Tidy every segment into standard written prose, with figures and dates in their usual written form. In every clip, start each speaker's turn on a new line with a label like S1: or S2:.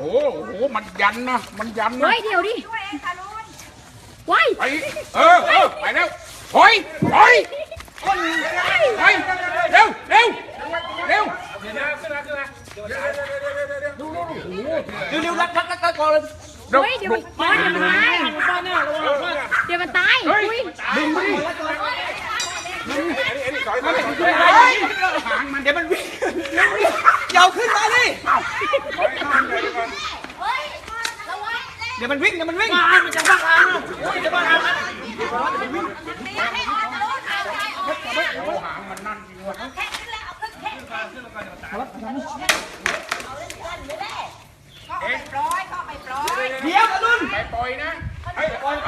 S1: โหมันยันนะมันยันนะ
S2: เฮ้ยเดี๋ยวดิว้าย
S1: ไปไปแล้วถอยไปเร็วเร็วเร็วก่อน
S2: เฮ้ยเดี๋ยวมันตายเดี๋ยวมันตายอุ้ย
S1: ดึงมันหางมันเดี๋ยวมันวิ่ง
S3: เดี๋ยวขึ้นมาดิเดี๋ยวมันวิ่งมันจะบ้าทางจะบ้าทาง
S1: หางมันนั่นจริงวะ
S3: เดี๋ยวอรุณ
S1: ไปปล่อยนะไปปล่อย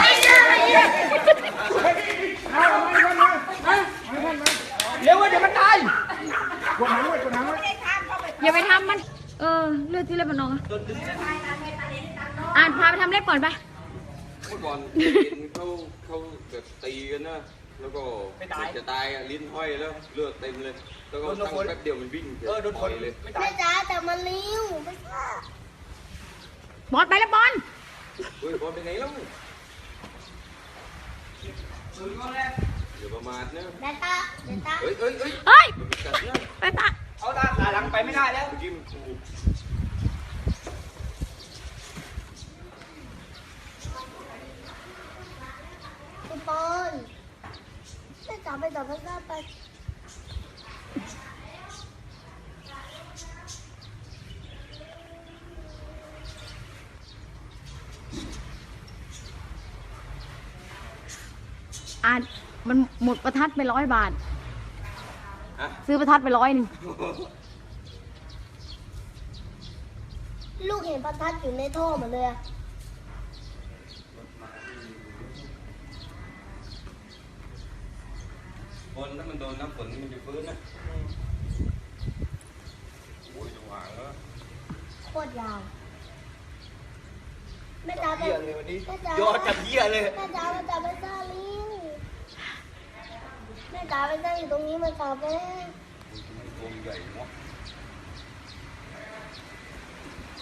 S3: เร็วเดี๋ยวมันตาย
S1: กดหางไว้
S2: อย่าไปทำมันเลือดที่เล็บมันนองอ่านพาไปทำเล็บก่อนไป
S4: เมื่อก่อนเขาแบบตีกันนะแล้วก็จะตายลิ้นห้อยแล้วเลือดเต็มเลยแล้วก็ตั้งแป๊บเดียวมันวิ่งโดนคนเลย
S5: แม่จ๋าแต่มันเลี้ยวไม่ใช่
S2: บอลไปแล้วบอล
S4: เฮ้ยบอลไปไหนแล้วอย่าประมาทนะ
S5: เดตา
S2: เฮ้ย
S4: มันกัดนะ
S2: ไปปะ
S3: เอาตาขาหลังไปไม่ได้แล้ว
S4: เมื่อกี้มันถูก
S5: คุณปอนแม่จ๋าไปต่อพระเจ้าไป
S2: อ่านมันหมดประทัดไป100 บาท
S4: ฮะ
S2: ซื้อประทัดไป100 นึง
S5: ลูกเห็นประทัดอยู่ในท่อหมดเลยอะ
S4: บอลถ้ามันโดนน้ำฝนมันจะฟื้นนะโอ้ยจะหวางแล้ว
S5: โคตรยาวแม่จ๋าไป
S3: เหี้ยเลยวันนี้
S5: แม่จ๋าย
S3: อดจับเหี้ยเลย
S5: แม่จ๋าไปซ่าลิงแม่จ๋าไปซ่าอยู่ตรงนี้มาต่อไป
S4: ตัวใหญ่เนาะ